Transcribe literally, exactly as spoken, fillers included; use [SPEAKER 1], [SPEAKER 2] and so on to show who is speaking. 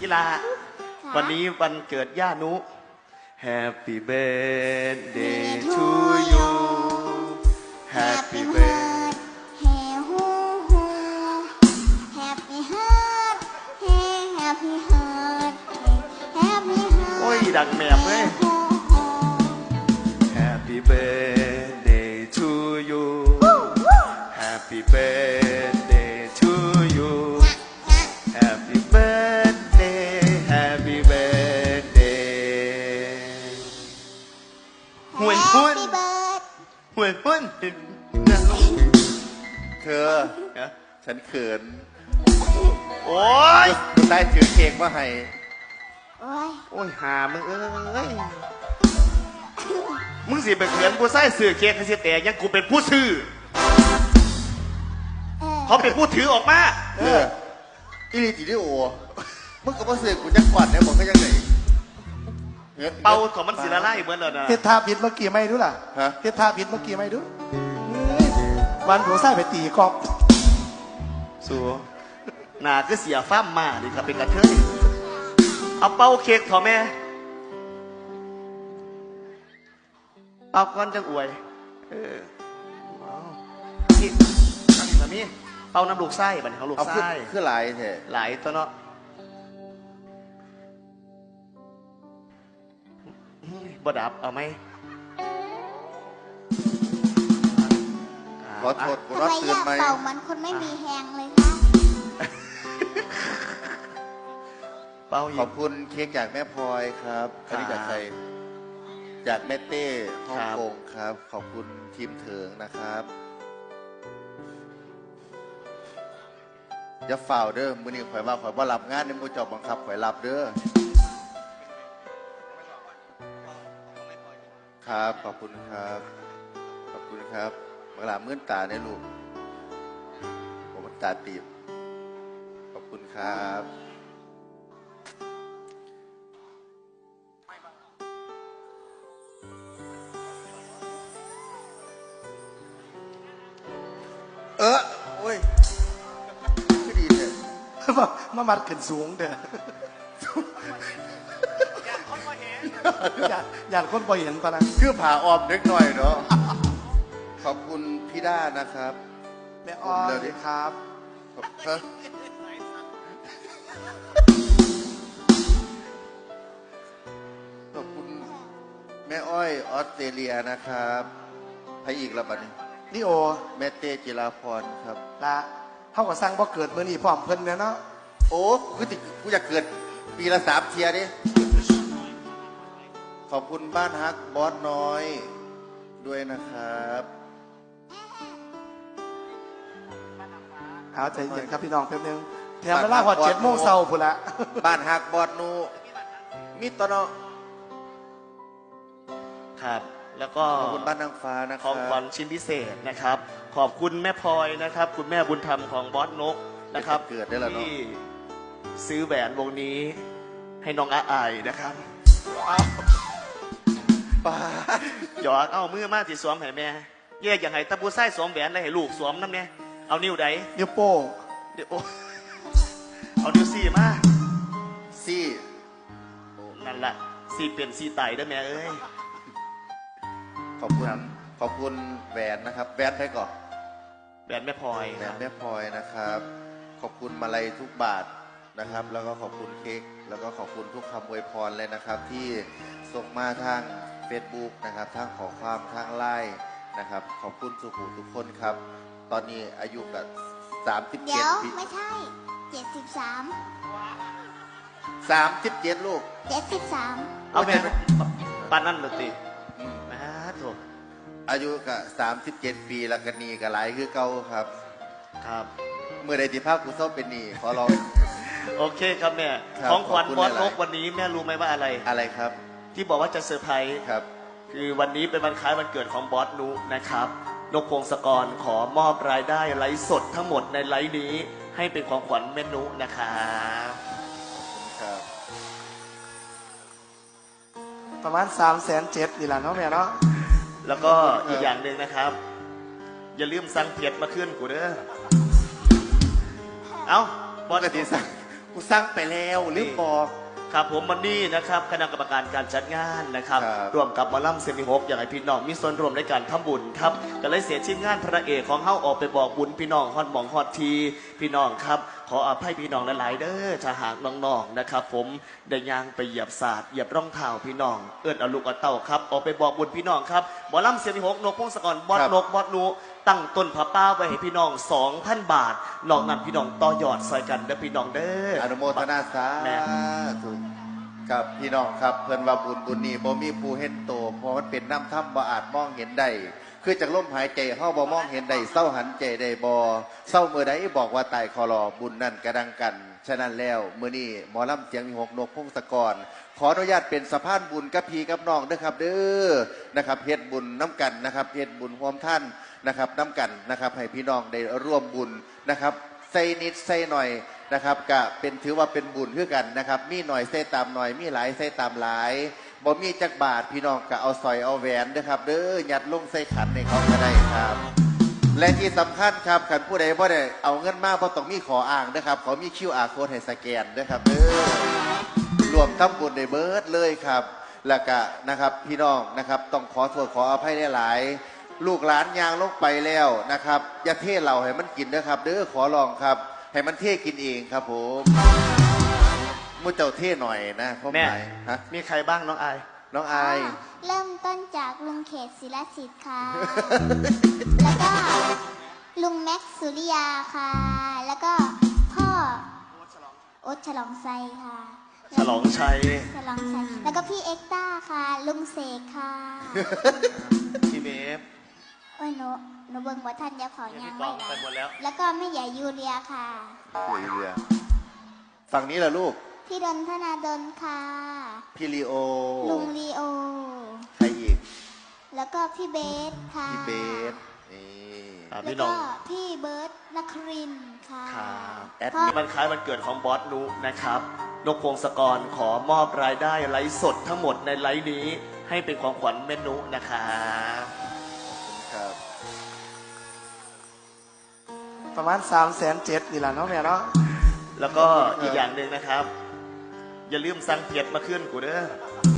[SPEAKER 1] กีฬาวันนี้วันเกิดย่านุ Happy birthday to you Happy birthday
[SPEAKER 2] Happy heart Happy heart Happy heart
[SPEAKER 1] โอ้ยดังแมบเลย Happy birthday to you Happy birthday to you Happy birthday Happy birthday ห่วยหุ้นห่วยหุ้น
[SPEAKER 3] เธอฉันเขิน
[SPEAKER 1] โอ้ย
[SPEAKER 3] คุณได้ถือเค้กมาให้
[SPEAKER 2] โอ้ย
[SPEAKER 1] โอ้ยหามึงเอ้ยมึงสิไปเขียนกูใส่สื่อเค้กให้เสียแต่ยังกูเป็นผู้ซื้อเขาเป็นผู้ถือออกมา
[SPEAKER 3] เอออีลีจิดิโอมึงกับพ่อเสือกูจักกวาดเนี่ยบอกก็ยังไง
[SPEAKER 1] เป่าของมันสีละลายเหมือนเลยนะ
[SPEAKER 4] เฮ็ดท่าผิดเมื่อกี้ไม่ดูล่ะ
[SPEAKER 3] ฮะ
[SPEAKER 4] เฮ็ดท่าผิดเมื่อกี้ไม่ดูวันผัวไส้ไปตีกอบ
[SPEAKER 1] สูหนาคือเสียฟ้ามมาดิครับเป็นกระเทยเอาเป่าเค้กเถอะแม่เป่าก้อนจังอวยเออนี่ตั้งสามีเป่าน้ำลูกไส้บัดนเขาลูก
[SPEAKER 3] เอาขึ้น
[SPEAKER 1] ไส้
[SPEAKER 3] ขึ้นหลายเถอะ
[SPEAKER 1] หลายตัวเนาะบดับเอาไหม
[SPEAKER 3] ขอโทษกู
[SPEAKER 2] ทำ
[SPEAKER 3] นอน
[SPEAKER 2] ไม
[SPEAKER 3] ตื่
[SPEAKER 2] อน ยาก
[SPEAKER 3] ไหม
[SPEAKER 2] เป่ามันคนไม่มีแฮงเลยคะ
[SPEAKER 1] เป่าอี
[SPEAKER 3] ขอก บคุณเค้กจากแม่พลอยครับอันนี้จากใครจากแม่เต้ฮ่องกงครับ ขอบคุณทีมเถิงนะครับอย่าฝ่าวเด้อมื้อนี้ข่อยว่าข่อยบ่รับงานในหมู่เจ้าบังคับข่อยรับเด้อครับขอบคุณครับขอบคุณครับบังลามื่นตาในลูกผมมันตาตีบขอบคุณครับเออโอ้ยก็ดีเลย
[SPEAKER 4] มามัดขึ้นสูงเด้ออยากอยากคนบ่เห็นปะนะ
[SPEAKER 3] คือผ่าออมเล็กหน่อยเนาะขอบคุณพี่ด้านะครับ
[SPEAKER 4] แม่อ้อ
[SPEAKER 3] เร็วดิ
[SPEAKER 4] ยครับ
[SPEAKER 3] ขอบฮะขอบคุณแม่อ้อยออสเตรเลียนะครับพระอีกระบัดนี้
[SPEAKER 4] นี่โอ
[SPEAKER 3] แม่เต้จิราพรครับ
[SPEAKER 4] ละเขาก็สร้างบ่เกิดมื้อนี้พร้อมเพิ่นเนี่ยเนาะ
[SPEAKER 3] โอ้กูติกูอยากเกิดปีละสามเทียดิขอบคุณบ้านฮักบอสน้อยด้วยนะครับ
[SPEAKER 4] เอาใจเย็นครับพี่น้องแป๊บนึงแถมเวลาพอเจ็ดโมงเช้าพุ่นละ
[SPEAKER 3] บ้านฮักบอสนูมิตรเนาะ
[SPEAKER 1] ครับ แล้วก็
[SPEAKER 3] ขอบคุณบ้านนางฟ้านะค
[SPEAKER 1] ข
[SPEAKER 3] รั
[SPEAKER 1] องขวัญชิ้นพิเศษนะครับ ขอบคุณแม่พลอยนะครับ คุณแม่บุญธรรมของบอสนกนะครับ
[SPEAKER 3] เกิดได้แล้วเนาะ
[SPEAKER 1] ที่ซื้อแหวนวงนี้ให้น้องอาอายนะครับ
[SPEAKER 3] ป้า
[SPEAKER 1] หยอกเอามือมาที่สวมให้แม่แยกอย่างไรตะปูไส้สวมแหวนได้ให้ลูกสวมน้ำเนี่ยเอานิ้วใด
[SPEAKER 4] นิ้วโป้ง
[SPEAKER 1] เดี๋ยวโอ้เอานิ้วสี่มา
[SPEAKER 3] ซี่
[SPEAKER 1] นั่นแหละสี่เปลี่ยนสี่ไตได้แม่เอ้ย
[SPEAKER 3] ขอบคุณขอบคุณแหวนนะครับแหวนไปก่อน
[SPEAKER 1] แหวนแม่พลอย
[SPEAKER 3] แหว
[SPEAKER 1] คน รับ
[SPEAKER 3] แม่พลอยนะครับ ขอบคุณมาลัยทุกบาทนะครับ แล้วก็ขอบคุณเค้กแล้วก็ขอบคุณทุกคำอวยพรเลยนะครับ ที่ส่งมาทาง Facebook นะครับทางขอความทางไลน์นะครับ ขอบคุณสุขุทุกคนครับ ตอนนี้อายุกับสามสิบ
[SPEAKER 2] เดี๋
[SPEAKER 3] เจ็
[SPEAKER 2] ย
[SPEAKER 3] ด
[SPEAKER 2] ว
[SPEAKER 3] ปี
[SPEAKER 2] ไม่ใช่เจ็ดสิบสาม
[SPEAKER 3] สามสิบเจ็ดลูก
[SPEAKER 2] เจ็ดสิบสาม
[SPEAKER 1] เอาแม่ปานนั่นเลยติ
[SPEAKER 3] อืม
[SPEAKER 1] นะถูก
[SPEAKER 3] อายุกับสามสิบเจ็ดปีแล้วกันนีกับหลายคือเก่าครับ
[SPEAKER 1] ครับ
[SPEAKER 3] เมื่อใดที่ภาพกูเศร้าเป็นหนีขอร้อง
[SPEAKER 1] โอเคครับแม่
[SPEAKER 3] ครับ
[SPEAKER 1] ของขวัญ
[SPEAKER 3] ขอบคุณ
[SPEAKER 1] บอส
[SPEAKER 3] หลายๆ
[SPEAKER 1] นกวันนี้แม่รู้ไหมว่าอะไร
[SPEAKER 3] อะไรครับ
[SPEAKER 1] ที่บอกว่าจะเซอร์ไพรส์
[SPEAKER 3] ครับ
[SPEAKER 1] คือวันนี้เป็นวันคล้ายวันเกิดของบอสนุนะครับ นกพงศกรขอมอบรายได้ไลฟ์สดทั้งหมดในไลฟ์นี้ ให้เป็นของขวัญแม่นุนะครับ
[SPEAKER 3] ครับ
[SPEAKER 4] ประมาณสามแสนเจ็ดนี่แหละเนาะแม่เนาะ
[SPEAKER 1] แล้วก็อีกอย่างหนึ่งนะครับ อย่าลืมสั่งเพียดมาขึ้นกูเด้อ เอาบอส
[SPEAKER 3] ปกติสั่งปกูสั่งไปแล้วลืมบอก
[SPEAKER 1] ครับผมวันนี้นะครับคณะกรรมการการจัดงานนะครับ
[SPEAKER 3] ครับ
[SPEAKER 1] ร่วมกับหมอลำเซมิฮกอยากให้พี่น้องมีส่วนร่วมในการทำบุญครับก็เลยเสียชิ้นงานพระเอกของเฮาออกไปบอกบุญพี่น้องฮอดหมองฮอดทีพี่น้องครับขออภัยพี่น้องหลายๆเด้อถ้าหากน้องๆนะครับผมได้ยางไปเหยียบศาสตร์เหยียบร่องเท้าพี่น้องเอื้อนเอาลูกเอาเต้าครับออกไปบอกบุญพี่น้องครับหมอลำเซมิฮกนกพงศกรบอด
[SPEAKER 3] ครับ
[SPEAKER 1] นกบอดนูตั้งต้นผ้าป้าไว้ให้พี่น้อง สองพัน บาทนอกนั้นพี่น้องต่อยอดซอยกันเด้อพี่น้องเด้อ
[SPEAKER 3] อนุโมทนาสา
[SPEAKER 1] แม่
[SPEAKER 3] ธุครับพี่น้องครับเพิ่นว่าบุญบุญนี้บ่มีผู้เห็นโตเพราะมันเป็นน้ำถ้ำบ่อาจมองเห็นได้คือจากลมหายใจเฮาบ่มองเห็นได้เศร้าหันใจได้บ่เศร้าเมื่อใดบอกว่าตายคอรอบุญนั่นกระดังกันฉะนั้นแล้วมื้อนี้หมอลำเสียงมีหกนกพงศกรขออนุญาตเป็นสะพานบุญกับพี่กับน้องเด้อครับเด้อนะครับเฮ็ดบุญน้ำกันนะครับเฮ็ดบุญร่วมท่านนะครับน้ำกันนะครับให้พี่น้องได้ร่วมบุญนะครับใส่นิดใส่หน่อยนะครับก็เป็นถือว่าเป็นบุญเพื่อกันนะครับมีหน่อยใส่ตามหน่อยมีหลายใส่ตามหลายบ่มีจักบาทพี่น้องก็เอาสอยเอาแหวนเด้อครับเด้อยัดลงใส่ขันในเขาก็ได้ครับ และที่สำคัญครับขันผู้ใดบ่ได้เอาเงินมาเพราะต้องมีขออ้างนะครับเขามี คิว อาร์ code ให้สแกนนะครับเด้อรวมทั้งบุญในเบิร์ดเลยครับแล้วก็นะครับพี่น้องนะครับต้องขอโทษขออภัยหลายๆลูกหลานยางลงไปแล้วนะครับอย่าเทเหล่าให้มันกินนะครับเด้อขอลองครับให้มันเทกินเองครับผมมุเจ้าเทหน่อยนะพ่อห
[SPEAKER 1] แม่
[SPEAKER 3] มายฮะ
[SPEAKER 1] มีใครบ้างน้องอาย
[SPEAKER 3] น้องอาย
[SPEAKER 2] เริ่มต้นจากลุงเขตศิลสิทธิ์ค่ะ แล้วก็ลุงแม็กซ์สุริยาค่ะ แล้วก็พ่อโอ๊ตฉลองไซค่ะ
[SPEAKER 1] ฉลองชัย
[SPEAKER 2] ฉลองไซแล้วก็พี่เอ็กต้าค่ะ ลุงเสกค่ะ
[SPEAKER 1] พี่เมฟ
[SPEAKER 2] โอ้ยหนูหนูเบิ่งว่าท่านยาของ
[SPEAKER 1] พี่
[SPEAKER 2] ยัง
[SPEAKER 1] ก
[SPEAKER 2] ไม่
[SPEAKER 1] องไปหมดแล้ว
[SPEAKER 2] แล้วก็แม่ใหญ่ยูเรียค่ะ
[SPEAKER 3] คุยเรือฝั่งนี้ล่ะลูก
[SPEAKER 2] พี่ดนธนาดนค่ะ
[SPEAKER 3] พี่ลีโอ
[SPEAKER 2] ลุงลีโอ
[SPEAKER 3] ใครอีก
[SPEAKER 2] แล้วก็พี่เบสค่ะ
[SPEAKER 3] พี่เบสนี่
[SPEAKER 1] อ่า
[SPEAKER 2] แล้ว
[SPEAKER 1] พี่น้อ
[SPEAKER 2] ก็
[SPEAKER 1] ง
[SPEAKER 2] พี่เบิร์ตนครินทร์ค่ะ
[SPEAKER 1] ครับ
[SPEAKER 3] แอด
[SPEAKER 2] พ่อ
[SPEAKER 1] มันคล้ายวันเกิดของบอสนุนะครับ นกพงศกรขอมอบรายได้ไลฟ์สดทั้งหมดในไลฟ์นี้ ให้เป็นของขวัญเมนุนะครับ
[SPEAKER 3] ครับ
[SPEAKER 4] ประมาณสามแสนเจ็ดนี่แหละเนาะแม่เนาะ
[SPEAKER 1] แล้วก็อีกอย่างหนึ่งนะครับ อย่าลืมสั่งเพียดมาขึ้นกูเด้อ